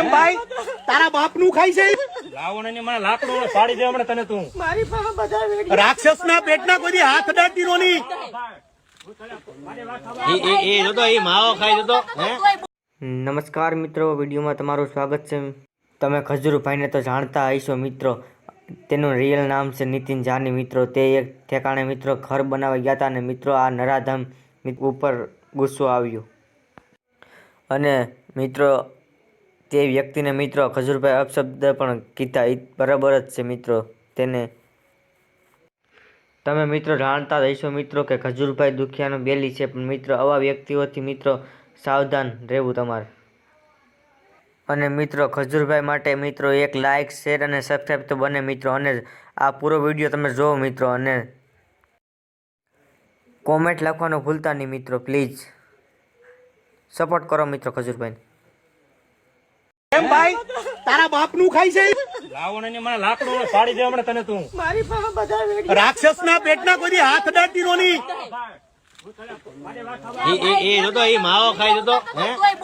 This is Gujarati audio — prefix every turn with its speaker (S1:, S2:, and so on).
S1: કેમ ભાઈ તારા બાપ નું ખાઈ છે
S2: લાવો ને મને લાકડું પાડી દે હમણાં તને તું
S3: મારી પાસે બધા વેડી
S1: રાક્ષસ ના પેટના કોઈ હાથ અડાડતી નો નહીં
S4: નમસ્કાર મિત્રો, વિડીયોમાં તમારું સ્વાગત છે. તમે ખજૂરભાઈને તો જાણતા હશો મિત્રો. તેનું રિયલ નામ છે નીતિન જાની મિત્રો. તે એક ઠેકાણે મિત્રો ઘર બનાવવા ગયા હતા અને મિત્રો આ નરાધામ ઉપર ગુસ્સો આવ્યો અને મિત્રો તે વ્યક્તિને મિત્રો ખજૂરભાઈ અપશબ્દ પણ કીધા. બરાબર જ છે મિત્રો. તેને તમે મિત્રો જાણતા હશો મિત્રો કે ખજૂરભાઈ દુખિયાનો બેલી છે, પણ મિત્રો આવા વ્યક્તિઓથી મિત્રો સાવધાન રહેવું તમારે. અને મિત્રો ખજૂરભાઈ માટે મિત્રો એક લાઇક, શેર અને સબસ્ક્રાઈબ તો બને મિત્રો. અને આ પૂરો વિડીયો તમે જોવો મિત્રો અને કોમેન્ટ લખવાનું ભૂલતા નહીં મિત્રો. પ્લીઝ સપોર્ટ કરો મિત્રો ખજૂરભાઈને.
S1: કેમ ભાઈ તારા બાપ નું ખાઈ છે
S2: લાવો ને મને લાકડું પાડી દે હમણાં તને તું
S3: મારી પાસે બધા વેડી
S1: રાક્ષસ ના પેટના કોઈ હાથ અડાડતી નો નહીં
S4: એ માવો ખાઈ જતો હે.